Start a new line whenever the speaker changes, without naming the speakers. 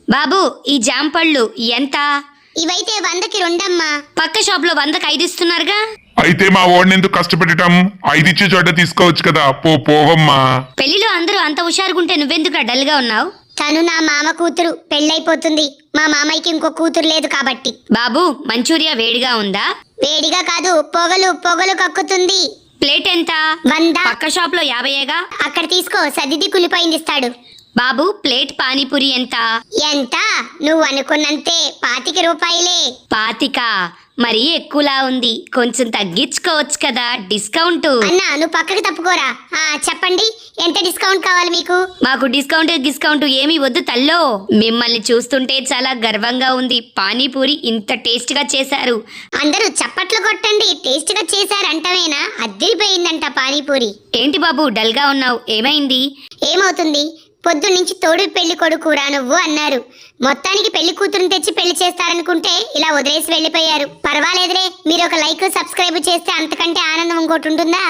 బాబు ఈ జామ పళ్ళు ఎంత?
ఇవైతే 100కి 2 అమ్మా.
పక్క షాప్ లో 100కి 5 ఇస్తున్నారుగా.
అయితే మా వాడిని ఎందుకు కష్టపెట్టడం? 5 ఇచ్చే చోట తీసుకోవచ్చు కదా. పోవమ్మా.
పెళ్లిలో అందరూ అంత హుషారుగుంటే నువ్వెందుకు డల్ గా ఉన్నావు?
తను నా మామ కూతురు, పెళ్ళైపోతుంది. మా మామయ్యకి ఇంకో కూతురు లేదు కాబట్టి.
బాబు మంచూరియా వేడిగా ఉందా?
వేడిగా కాదు, పొగలు పొగలు కక్కుతుంది.
ప్లేట్ ఎంత?
100.
పక్క షాప్ లో 50గా.
అక్కడ తీసుకో, సదిది కులిపోయింది ఇస్తాడు.
బాబు ప్లేట్ పానీపూరి ఎంత?
ఎంత? నువ్వు అనుకున్నంతే, 25 రూపాయలే.
25? మరీ ఎక్కువలా ఉంది, కొంచెం తగ్గించుకోవచ్చు కదా, డిస్కౌంట్.
అన్నా నువ్వు పక్కకి తప్పుకోరా. చెప్పండి, ఎంత డిస్కౌంట్ కావాలి మీకు?
మాకు డిస్కౌంట్ ఏమీ వద్దు తల్లో. మిమ్మల్ని చూస్తుంటే చాలా గర్వంగా ఉంది. పానీపూరి ఇంత టేస్ట్ గా చేశారు.
అందరూ చప్పట్లు కొట్టండి. టేస్ట్ గా చేశారంటవేనా? అద్దిరిపోయిందంట పానీపూరి.
ఏంటి బాబు డల్ గా ఉన్నావు, ఏమైంది?
ఏమవుతుంది, పొద్దున్నుంచి తోడు పెళ్లి కొడుకురా నువ్వు అన్నారు. మొత్తానికి పెళ్లి కూతురుని తెచ్చి పెళ్లి చేస్తారనుకుంటే ఇలా వదిలేసి వెళ్ళిపోయారు. పర్వాలేదులే, మీరు ఒక లైక్ సబ్స్క్రైబ్ చేస్తే అంతకంటే ఆనందం ఇంకోటి ఉంటుందా?